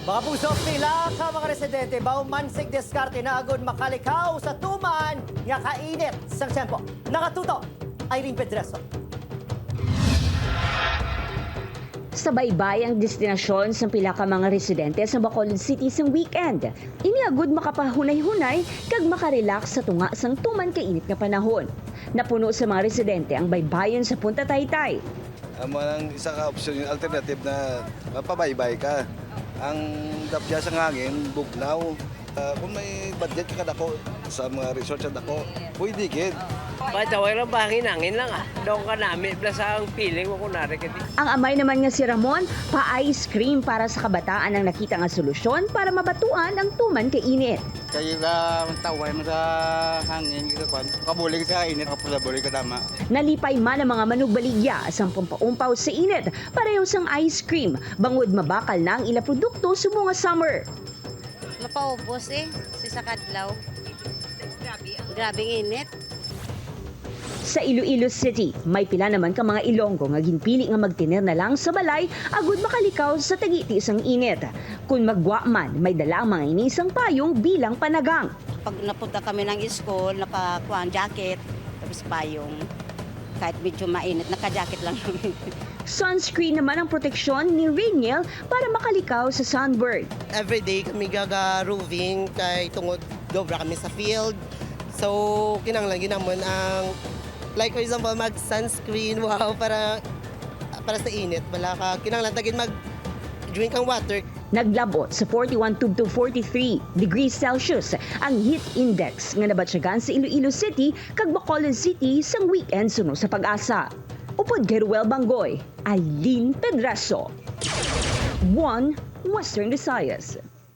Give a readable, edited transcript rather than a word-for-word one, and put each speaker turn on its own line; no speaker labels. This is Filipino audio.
Mga puso, pila ka mga residente baumansig diskarte na agad makalikaw sa tuman nga kainit sang tiyempo. Nakatuto, Irene Pedreso.
Sa baybay ang destinasyon sa pila ka mga residente sa Bacolod City sang weekend. Iniagod makapahunay-hunay kag makarelax sa tunga sang tuman kainit nga panahon. Napuno sa mga residente ang baybayon sa Punta Taytay.
Ang isa ka option yung alternative na mapabaybay ka. Ang dapya sa hangin, bugnaw. Kung may budget ka dako sa mga resort sa dako, pwede kid.
Pataway lang hangin lang ah. Doon ka namin, basta ang feeling mo kunwari ka.
Ang amay naman nga si Ramon, pa-ice cream para sa kabataan ang nakita nga solusyon para mabatuan ang tuman kainit.
Kaya ka taway mo sa hangin, kabulig sa init, kapusabulig ka tama.
Nalipay man ang mga manugbaligya sa pampaumpaw sa init, pareho sang ice cream, bangod mabakal na ang ila produkto sa mga summer.
Mapaubos sa kadlaw. Grabing init.
Sa Iloilo City, may pila naman ka mga Ilonggo nga ginpili nga magtiner na lang sa balay agud makalikaw sa tagiti sang init. Kung magwa man, may dala ang mga inisang payong bilang panagang.
Pag napunta kami ng school, nakakuha ang jacket, tapos payong. Kahit medyo mainit, naka-jacket lang kami.
Sunscreen naman ang proteksyon ni Rainiel para makalikaw sa sunburn.
Everyday kami gaga-roving kay tungod dobra kami sa field. So, kinanglan ginamon ang like for example mag-sunscreen wow para sa init. Wala ka kinanglan tagin mag-drink ang water.
Naglabot sa 41 to 43 degrees Celsius ang heat index nga nabatsyagan sa Iloilo City kag Bacolod City sang weekend suno sa Pag-asa. Upod Geruel Bangoy, Irene Pedreso, 1 Western Visayas.